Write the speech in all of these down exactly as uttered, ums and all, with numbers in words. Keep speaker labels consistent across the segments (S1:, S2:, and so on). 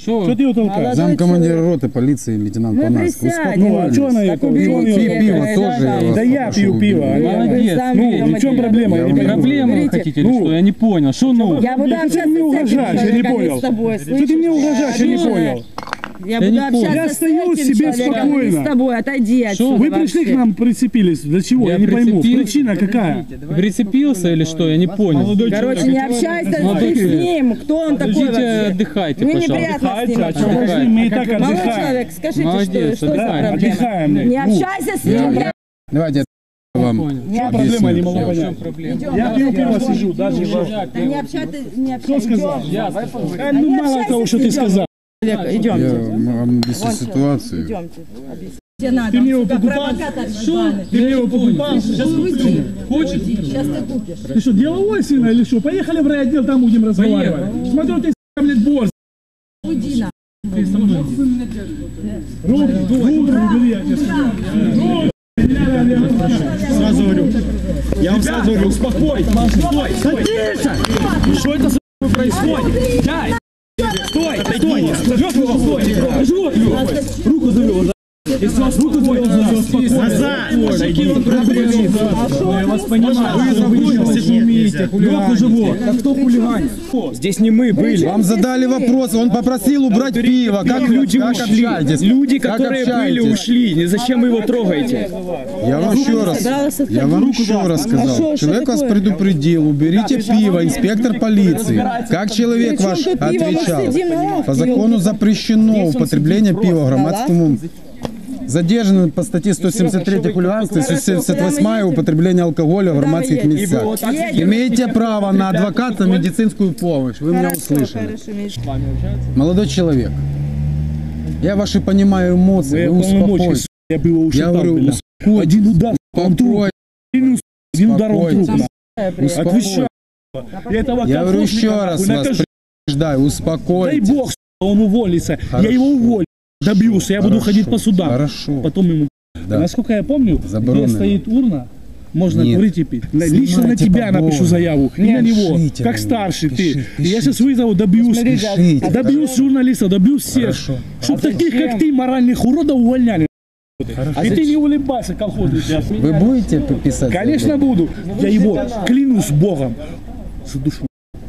S1: Что ты его толкаешь?
S2: Замкомандира роты полиции лейтенант Панаск.
S1: Ну, а что она ее толкает?
S2: Пиво тоже.
S1: Да я пью пиво.
S3: Молодец.
S1: Ну, в чем проблема? Я не понимаю.
S3: Проблему хотите или что? Я не понял. Что ну?
S1: Я буду общаться с угрожаешь, я не понял. Что ты мне угрожаешь, я не понял.
S4: Я буду общаться
S1: Я
S4: с
S1: стою
S4: этим
S1: себе
S4: человеком,
S1: спокойно.
S4: с тобой, отойди отсюда.
S1: Вы пришли к нам, прицепились. Для чего? Я,
S3: Я
S1: не пойму.
S3: прицепился.
S1: Причина какая?
S3: Прицепился или что? Я не понял.
S4: Короче, не общайся ты с ним. Кто он такой
S3: Подождите,
S4: вообще?
S3: отдыхайте,
S4: Мне
S3: пожалуйста.
S4: неприятно с ним
S1: А что,
S4: общаться.
S1: мы и так
S4: Молодой
S1: отдыхаем.
S4: человек, скажите,
S3: Молодец,
S4: что, что за
S3: да,
S4: проблема?
S1: отдыхаем.
S4: Не общайся с ним.
S2: Я- Давайте я вам
S1: Что проблема, я не могу понять. Я пью пиво сижу, даже его.
S4: Да не общайся, не
S1: Кто
S4: общайся.
S1: сказал?
S4: Идем.
S1: Э, Ну, мало того, что ты сказал.
S4: Человек,
S2: я
S4: идемте.
S2: вам объясню ситуацию.
S4: Идемте. Объясните. Тебе надо.
S1: Ты мне его
S4: Сука,
S1: покупал?
S4: провокатор ебаный.
S1: Ты мне его покупал? Сейчас
S4: Уйди. Сейчас ты купишь.
S1: Ты что, деловой сына или что? Поехали в райотдел, там будем разговаривать. Смотрю, ты, блядь, борз.
S4: Уйди на.
S1: Руки, руки убери, я тебе сказал. Сразу говорю. Я вам сразу говорю, успокойся. Стой, стой. Что это за происходит? Дай. Стой, стой. Живет его, стой. Живот его. Руку завел. Если вас руку завел, успокойся. Назад. Я вас понимаю. Вы заблудились, не умеете. Руку живот. А кто хулиган?
S5: Здесь не мы были.
S2: Вам задали вопрос, он попросил убрать пиво. Как
S5: люди
S2: как
S5: ушли.
S2: общаетесь?
S5: Люди,
S2: Как
S5: которые были,
S2: общаетесь?
S5: ушли. Зачем вы его трогаете?
S2: Я вам еще раз, я вам еще раз сказал. Человек вас предупредил, уберите пиво, инспектор полиции. Как человек ваш отвечал? По закону запрещено употребление пива в громадском. Задержаны по статье сто семьдесят три хулиганство и сто семьдесят восемь употребление алкоголя в громадских местах. Имеете право на адвоката, медицинскую помощь. Вы меня услышали. Молодой человек, я ваши понимаю эмоции, вы успокойтесь.
S1: Я бы его
S2: Я
S1: ушатал,
S2: говорю,
S1: бля. Один удар, он труп.
S2: успокойтесь.
S1: Один удар, он труп. бля.
S2: Успокойтесь.
S1: Я этого
S2: Я говорю еще
S1: колхозника,
S2: раз
S1: нахуй,
S2: вас
S1: накажу.
S2: предупреждаю,
S1: Дай
S2: успокойтесь.
S1: бог, он уволится.
S2: Хорошо.
S1: Я его уволю. Добьюсь, я буду
S2: Хорошо.
S1: ходить по судам.
S2: Хорошо.
S1: Потом ему...
S2: Да.
S1: Насколько я помню,
S2: Заборонено.
S1: где стоит урна, можно
S2: Нет.
S1: курить и пить.
S2: Снимайте
S1: Лично на тебя
S2: побольше.
S1: напишу заяву. И на него.
S2: Пишите
S1: Как
S2: на него.
S1: старший
S2: Пиши,
S1: ты.
S2: пишите.
S1: Я сейчас вызову, добьюсь.
S2: Пишите.
S1: Добьюсь журналистов, добьюсь всех.
S2: Хорошо.
S1: Чтоб таких, как ты, моральных уродов увольняли. И ты не улыбайся, колхозник.
S2: Вы будете писать?
S1: Конечно буду. Я его клянусь Богом. Задушу.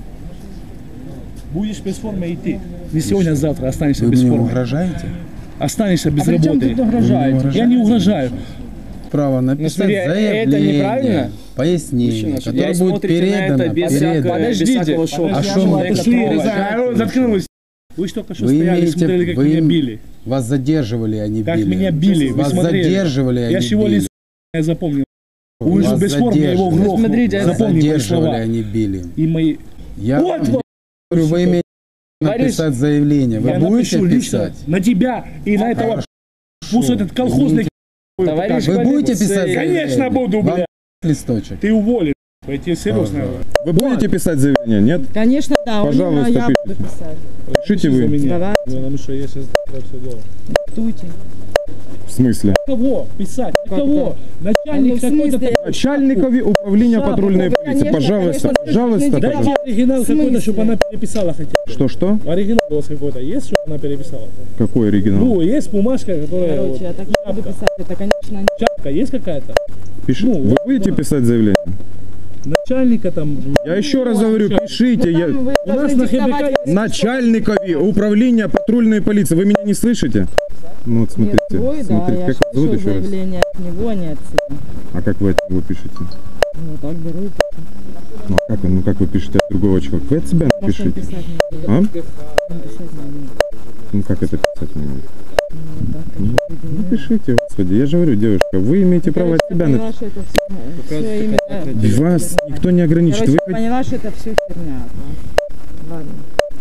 S1: Будешь без формы идти. Не сегодня, а завтра останешься
S2: Вы
S1: без
S2: мне
S1: формы.
S2: угрожаете?
S1: Останешься без
S3: А при чем
S1: работы.
S3: тут угрожаете?
S1: Я не угрожаю.
S2: Право написать
S3: смотри, это
S2: заявление,
S3: неправильно?
S2: пояснение, которое
S5: Я
S2: будет
S5: смотрите на это
S2: передано.
S5: без
S2: передано.
S5: всякого, без
S3: Подождите.
S5: всякого шока.
S2: А что мы-
S1: Пошли, заткнулись. Вы ж только что
S2: Вы
S1: стояли,
S2: имеете,
S1: смотрели, как
S2: вы
S1: меня били.
S2: вас задерживали, а не
S1: Как
S2: били.
S1: меня били, вы
S2: Вас
S1: смотрели.
S2: задерживали, а
S1: Я
S2: не
S1: ж его
S2: били.
S1: лицо я запомнил. Вы же
S2: Вас
S1: без формы, я его
S2: задерживали.
S1: грохнул.
S3: Смотрите,
S2: Вас
S1: Запомни мои
S2: задерживали,
S1: слова.
S2: а не били.
S1: И мои...
S2: Я
S1: Вот,
S2: вам
S1: вот.
S2: говорю, вы имеете написать заявление. Вы
S1: Я
S2: будете
S1: напишу лично
S2: писать?
S1: на тебя и на этого... Пусть этот колхозник...
S3: Товарищ
S2: Вы
S3: Борис,
S2: будете писать заявление?
S1: Конечно буду,
S2: Вам
S1: бля.
S2: листочек.
S1: Ты уволен. Я тебе серьезно говорю.
S6: Вы будете писать заявление, нет?
S4: Конечно, да. у
S6: Пожалуйста,
S4: него я
S6: пишите.
S4: буду писать.
S6: Пишите вы.
S4: Давай,
S1: Потому что я сейчас все делаю.
S4: диктуйте.
S6: В смысле?
S1: Кого писать? Кого? Начальник
S4: Ну, в
S1: какой-то...
S4: смысле?
S6: Начальникове управления
S1: Шапку,
S6: патрульной
S4: ну,
S6: полиции.
S4: конечно,
S6: Пожалуйста,
S4: конечно,
S6: пожалуйста,
S4: слушайте,
S1: Дайте
S6: пожалуйста.
S1: оригинал
S4: В смысле?
S1: какой-то, чтобы она переписала хотя бы.
S6: Что-что?
S1: Оригинал у вас какой-то есть, чтобы она переписала?
S6: Какой оригинал?
S1: Ну, есть бумажка, которая...
S4: Короче,
S1: вот,
S4: я так не буду писать. Это, конечно, не...
S1: шапка есть какая-то?
S6: Пиши.
S1: ну,
S6: Вы будете писать заявление?
S1: Начальника там...
S6: Я еще раз говорю, пишите. Я...
S4: Там вы
S1: У нас
S4: должны
S1: на ХБК
S4: диктовать-
S6: Начальникове управления патрульной полиции. Вы меня не слышите? Ну вот смотрите.
S4: Нет, твой, да,
S6: Смотрите,
S4: я
S6: как вас зовут
S4: пишу
S6: еще раз?
S4: заявление от него, не отсюда.
S6: А как вы от него пишете?
S4: Ну, так беру и пишу.
S6: Ну, а как, ну как вы пишете от другого человека? Вы от себя
S4: Может, он
S6: напишите.
S4: писать не будет.
S6: А?
S4: Он писать не будет.
S6: Ну как это писать мне?
S4: Ну, так,
S6: Ну,
S4: как
S6: ну пишите, господи. Я же говорю, девушка, вы имеете право от себя
S4: поняла,
S6: написать.
S4: что это все, все именно...
S6: Вас никто не ограничит.
S4: Короче,
S6: Вы
S4: я поняла, что это все херня. да. Ладно.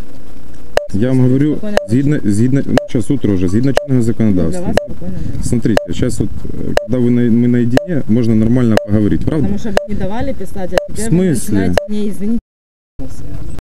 S6: Я вам говорю,
S4: Спокойно.
S6: згідно, згідно, ну, сейчас утро уже, згідно чинного
S4: Ну, для
S6: законодавства.
S4: вас спокойно. да.
S6: Смотрите, сейчас вот, э, когда вы на, мы наедине, можно нормально поговорить, правда?
S4: Потому что вы не давали писать, а теперь
S6: В
S4: вы
S6: смысле?
S4: начинаете мне извинить.